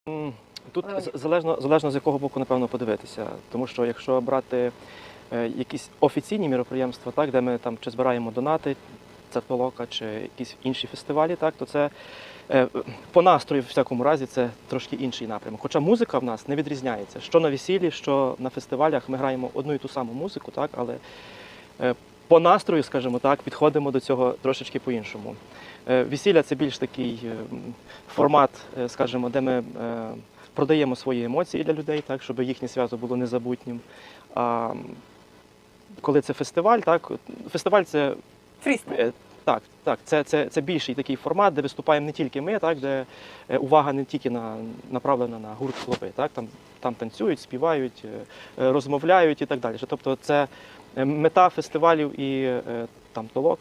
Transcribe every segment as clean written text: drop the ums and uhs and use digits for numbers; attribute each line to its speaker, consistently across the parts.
Speaker 1: Тут залежно з якого боку, напевно, подивитися. Тому що якщо брати якісь офіційні міроприємства, так, де ми там чи збираємо донати, це толока, чи якісь інші фестивалі, так, то це по настрою, в всякому разі, це трошки інший напрямок. Хоча музика в нас не відрізняється. Що на весіллі, що на фестивалях ми граємо одну і ту саму музику, так, але по настрою, скажімо так, підходимо до цього трошечки по-іншому. Весілля – це більш такий формат, скажімо, де ми продаємо свої емоції для людей, так, щоб їхнє свято було незабутнім. А коли це фестиваль, так, фестиваль – це
Speaker 2: фрістайл.
Speaker 1: Так, це більший такий формат, де виступаємо не тільки ми, так, де увага не тільки направлена на гурт хлопи, так, там танцюють, співають, розмовляють і так далі. Тобто це мета фестивалів і там толок.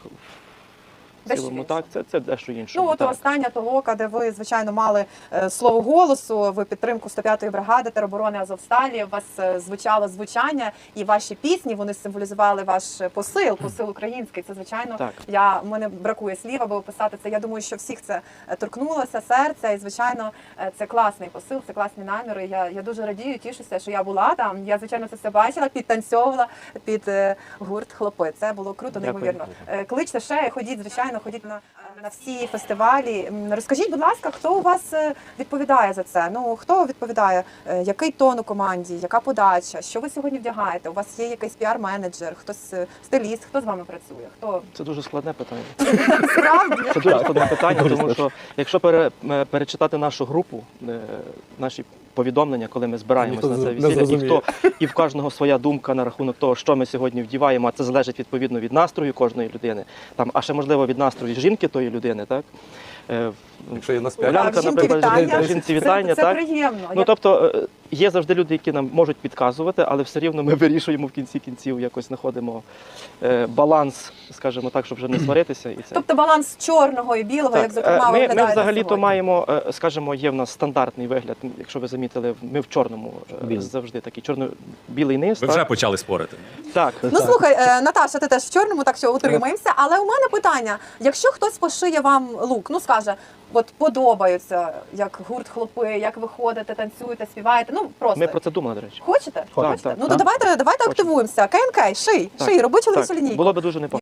Speaker 1: В цілому, так, це дещо інше.
Speaker 2: Ну, от остання толока, де ви, звичайно, мали слово голосу, ви підтримку 105-ї бригади тероборони Азовсталі, у вас звучало звучання, і ваші пісні, вони символізували ваш посил український. Це, звичайно, в мене бракує слів, аби описати це. Я думаю, що всіх це торкнулося серця, і, звичайно, це класний посил, це класні наміри. Я дуже радію, тішуся, що я була там. Я, звичайно, це все бачила, підтанцьовувала під гурт «Хлопи». Це було круто, неймовірно. Кличте ще, ходіть, звичайно, ходіть на всі фестивалі. Розкажіть, будь ласка, хто у вас відповідає за це? Ну, хто відповідає? Який тон у команді? Яка подача? Що ви сьогодні вдягаєте? У вас є якийсь піар-менеджер, хтось стиліст? Хто з вами працює? Хто?
Speaker 1: Це дуже складне питання.
Speaker 2: Справді?
Speaker 1: Це дуже складне питання, тому що якщо перечитати нашу групу, наші повідомлення, коли ми збираємося на це весілля, і в кожного своя думка на рахунок того, що ми сьогодні вдіваємо, а це залежить відповідно від настрою кожної людини, а ще можливо від настрою жінки тої людини, так?
Speaker 3: Якщо є
Speaker 1: Улянка, наприклад, жінці вітання,
Speaker 2: це
Speaker 1: так?
Speaker 2: приємно.
Speaker 1: Ну, тобто, є завжди люди, які нам можуть підказувати, але все рівно ми вирішуємо в кінці кінців, якось знаходимо баланс, скажімо так, щоб вже не сваритися.
Speaker 2: Тобто баланс чорного і білого, як, зокрема,
Speaker 1: ми взагалі-то маємо, скажімо, є в нас стандартний вигляд, якщо ви замітили, ми в чорному завжди такий чорно-білий низ.
Speaker 3: Ви вже почали спорити.
Speaker 1: Так.
Speaker 2: Ну, слухай, Наташа, ти теж в чорному, так що утримаємося, але у мене питання, якщо хтось пошиє вам лук, ну, скаже, от подобаються, як гурт «Хлопи», як ви ходите, танцюєте, співаєте, ну, просто.
Speaker 1: Ми про це думали, до речі.
Speaker 2: Хочете?
Speaker 1: Так.
Speaker 2: Ну, то давайте активуємося. КНК, ший, роби чоловічу лінійку.
Speaker 1: Було б дуже непогано.